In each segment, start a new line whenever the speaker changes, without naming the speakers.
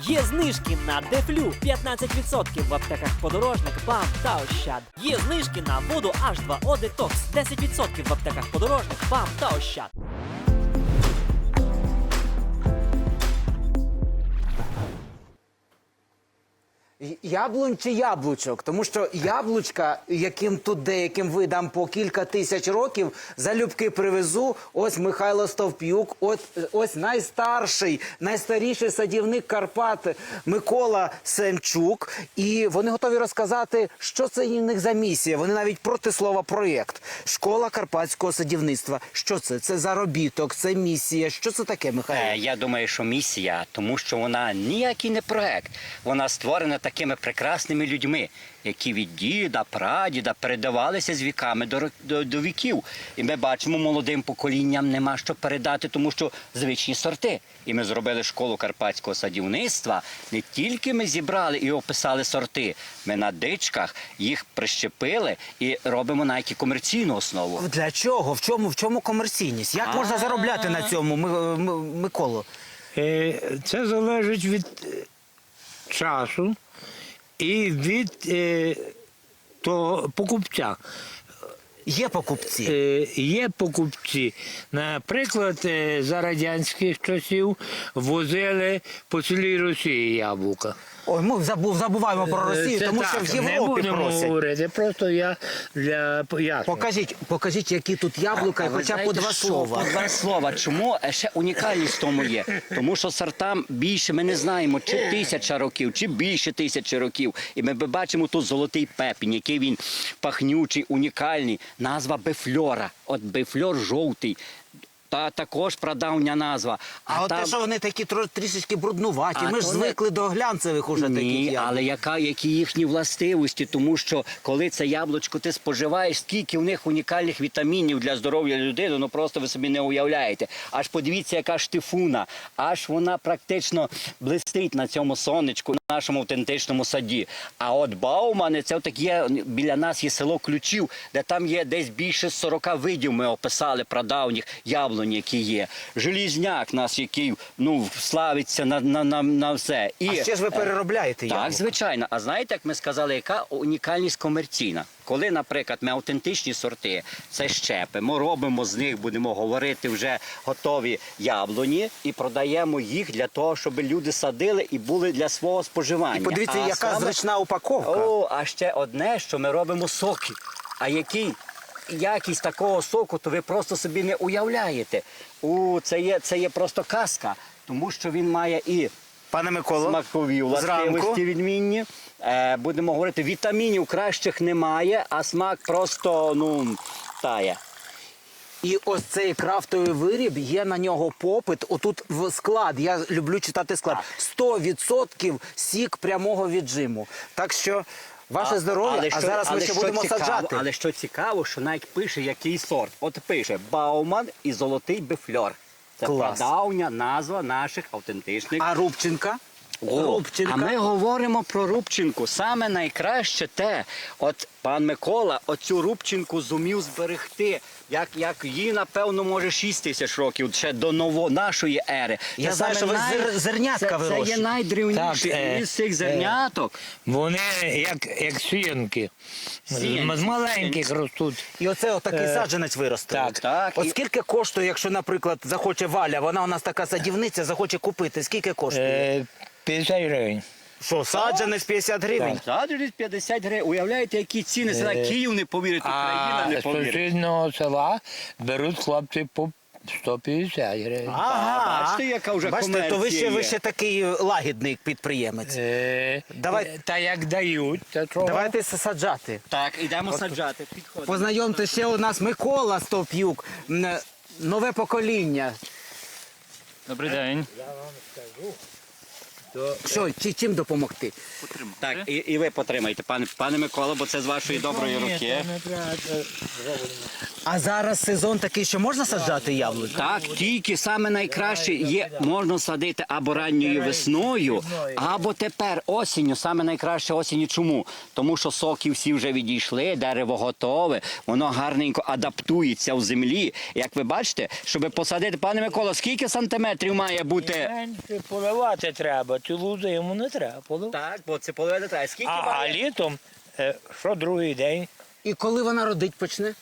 Є знижки на Дефлю 15% в аптеках Подорожник, БАМ та Ощад. Є знижки на воду H2O Detox 10% в аптеках Подорожник, БАМ та Ощад.
Яблунь чи яблучок? Тому що яблучка, яким тут деяким видам по кілька тисяч років, залюбки привезу. Ось Михайло Стовп'юк, ось найстаріший садівник Карпат Микола Семчук. І вони готові розказати, що це у них за місія. Вони навіть проти слова «проєкт». Школа карпатського садівництва. Що це? Це заробіток, це місія. Що це таке, Михайло?
Я думаю, що місія, тому що вона ніякий не проект. Вона створена такими прекрасними людьми, які від діда, прадіда передавалися з віками до віків. І ми бачимо, молодим поколінням нема що передати, тому що звичні сорти. І ми зробили школу карпатського садівництва. Не тільки ми зібрали і описали сорти, ми на дичках їх прищепили і робимо навіть і комерційну основу.
Для чого? В чому комерційність? Як можна заробляти на цьому, Миколо?
Це залежить від часу і від того покупця.
Є покупці?
Є покупці. Наприклад, за радянських часів возили по цілій Росії яблука.
Ой, ми забуваємо про Росію, тому що в Європі
не будемо
просять.
говорити, просто я для пояснення.
Покажіть, які тут яблука,
ви
хоча б по
знаєте,
два
що?
слова.
По два слова. Чому? Ще унікальність в тому є. Тому що сортам більше, ми не знаємо, чи 1000 років, чи більше 1000 років. І ми бачимо тут золотий пепінь, який він пахнючий, унікальний. Назва бефльора. От бефльор жовтий. Та також прадавня назва.
А от те, що вони такі трішечки бруднуваті, ми ж звикли до глянцевих уже таких
Ні,
яблук.
але які їхні властивості, тому що коли це яблучко ти споживаєш, скільки в них унікальних вітамінів для здоров'я людини, ну просто ви собі не уявляєте. Аж подивіться, яка штифуна, аж вона практично блистить на цьому сонечку, на нашому автентичному саді. А от Баумани, це отак є, біля нас є село Ключів, де там є десь більше 40 видів, ми описали прадавніх яблунь, які є. Желізняк нас, який славиться на все.
А ще ж ви переробляєте яблука.
Так, звичайно. А знаєте, як ми сказали, яка унікальність комерційна? Коли, наприклад, ми автентичні сорти, це щепи, ми робимо з них, будемо говорити, вже готові яблуні і продаємо їх для того, щоб люди садили і були для свого споживання.
І подивіться, яка зручна упаковка.
А ще одне, що ми робимо соки. А який якість такого соку, то ви просто собі не уявляєте. Це є просто казка, тому що він має і
Пане Миколо,
смакові властивості відмінні. Будемо говорити, вітамінів кращих немає, а смак просто, тає.
І ось цей крафтовий виріб, є на нього попит. Отут в склад, я люблю читати склад, 100% сік прямого віджиму. Так що ваше здоров'я, а зараз ми ще будемо саджати.
Але що цікаво, що навіть пише, який сорт. От пише Бауман і золотий бефльор. Це прадавня назва наших автентичних.
А Рубчинка?
А ми говоримо про Рубчинку. Саме найкраще те, от пан Микола оцю Рубчинку зумів зберегти, як їй, напевно, може 6000 років, ще до нашої ери.
Я знаю, що ви зернятка вирощуєте.
Це є найдревніший із цих зерняток.
Вони як сіянки. З маленьких ростуть.
І оце отакий саджанець виросте.
Так.
От скільки коштує, якщо, наприклад, захоче Валя, вона у нас така садівниця, захоче купити, скільки коштує?
50 гривень.
Що, саджанець 50 гривень?
Саджанець 50 гривень. Уявляєте, які ціни? Це на Київ не повірить, Україна не
А з
повірить.
сусіднього села беруть хлопці по 150 гривень.
Ага.
Бачите, яка вже
Бачите, то
комерція
ви
є.
ще такий лагідний підприємець.
Та як дають, то чого?
Давайте саджати.
Так, ідемо саджати. Підходимо.
Познайомте, ще у нас Микола Стовп'юк, нове покоління.
Добрий день.
Що, чим допомогти?
Так, і ви потримайте, пане Микола, бо це з вашої доброї руки.
А зараз сезон такий, що можна саджати яблука?
Так, тільки саме найкраще є, можна садити або ранньою весною, або тепер осінню. Саме найкраще осінню. Чому? Тому що соки всі вже відійшли, дерево готове, воно гарненько адаптується в землі. Як ви бачите, щоб посадити, пане Микола, скільки сантиметрів має бути?
Менше поливати треба. цілу зиму не треба поливати.
Так, бо це половина треба. Скільки
А
має?
літом, що другий день,
І коли вона родить почне?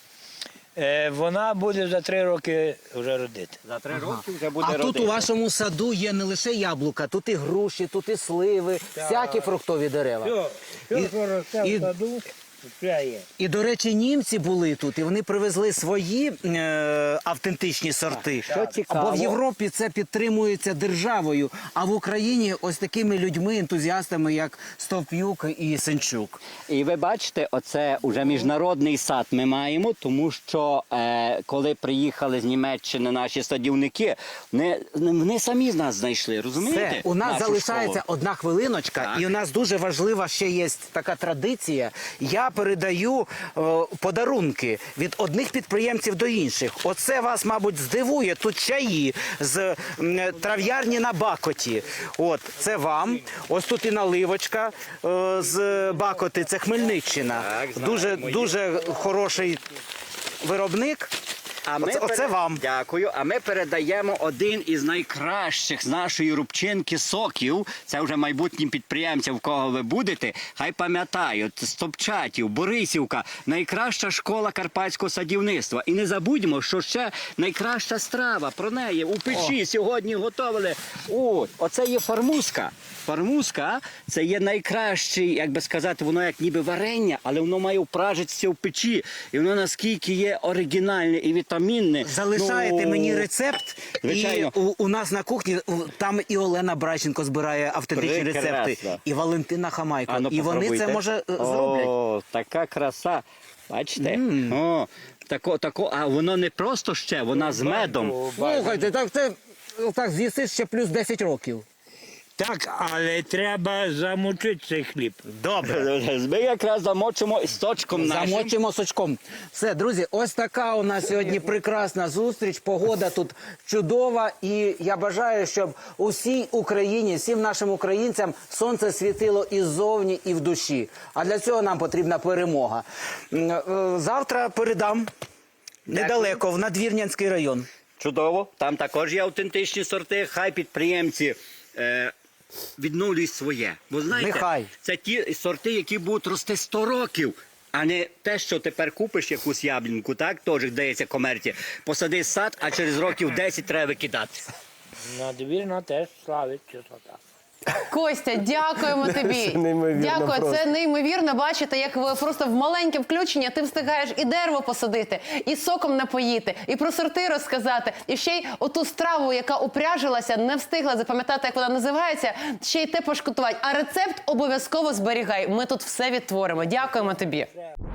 вона буде за 3 роки вже родити.
За 3 роки вже буде
А
родити.
тут у вашому саду є не лише яблука, тут і груші, тут і сливи, всякі фруктові дерева.
Все,
І-
що росте
і-
в саду, все є.
І, до речі, німці були тут, і вони привезли свої автентичні сорти.
Що цікаво.
Бо в Європі це підтримується державою, а в Україні ось такими людьми, ентузіастами, як Стовп'юк і Сенчук.
І ви бачите, оце вже міжнародний сад ми маємо, тому що коли приїхали з Німеччини наші садівники, вони самі з нас знайшли, розумієте?
Все, у нас
нашу
залишається
школу.
одна хвилиночка,
Так.
і у нас дуже важлива ще є така традиція. Я передаю подарунки від одних підприємців до інших. Оце вас, мабуть, здивує. Тут чаї з трав'ярні на Бакоті. От, це вам. Ось тут і наливочка з Бакоти, це Хмельниччина.
Так, знаємо.
Дуже хороший виробник.
А ми
Оце вам.
Дякую. А ми передаємо один із найкращих з нашої рубчинки соків. Це вже майбутнім підприємцям, в кого ви будете. Хай пам'ятають, Стопчатів, Борисівка, найкраща школа карпатського садівництва. І не забудьмо, що ще найкраща страва про неї у печі сьогодні готували. Оце є фармузка. Фармузка – це є найкращий, як би сказати, воно як ніби варення, але воно має впражитися в печі. І воно наскільки є оригінальне і вітамінне.
Залишаєте мені рецепт,
звичайно.
і у нас на кухні там і Олена Брайченко збирає автентичні
Прекрасно.
рецепти, і Валентина Хамайко.
А ну,
і вони це,
попробуйте.
може, зроблять.
О, така краса. Бачите? О, а воно не просто ще, вона з медом.
Слухайте, так з'їсиш ще плюс 10 років.
Так, але треба замочити цей хліб.
Добре.
Ми якраз замочимо з сочком нашим.
Замочимо сочком. Все, друзі, ось така у нас сьогодні прекрасна зустріч. Погода тут чудова. І я бажаю, щоб усій Україні, всім нашим українцям сонце світило і ззовні, і в душі. А для цього нам потрібна перемога. Завтра передам недалеко, в Надвірнянський район.
Чудово. Там також є автентичні сорти. Хай підприємці відновлюють своє. Бо знаєте,
Нехай.
це ті сорти, які будуть рости 100 років. А не те, що тепер купиш якусь яблуньку, так, теж дається комерція, посади сад, а через років 10 треба викидати.
Надвірна теж славить чистота.
Костя, дякуємо тобі. Дякую, це неймовірно. Бачите, як ви просто в маленьке включення ти встигаєш і дерево посадити, і соком напоїти, і про сорти розказати, і ще й оту страву, яка упряжилася, не встигла запам'ятати, як вона називається, ще й те пошкутувати. А рецепт обов'язково зберігай. Ми тут все відтворимо. Дякуємо тобі.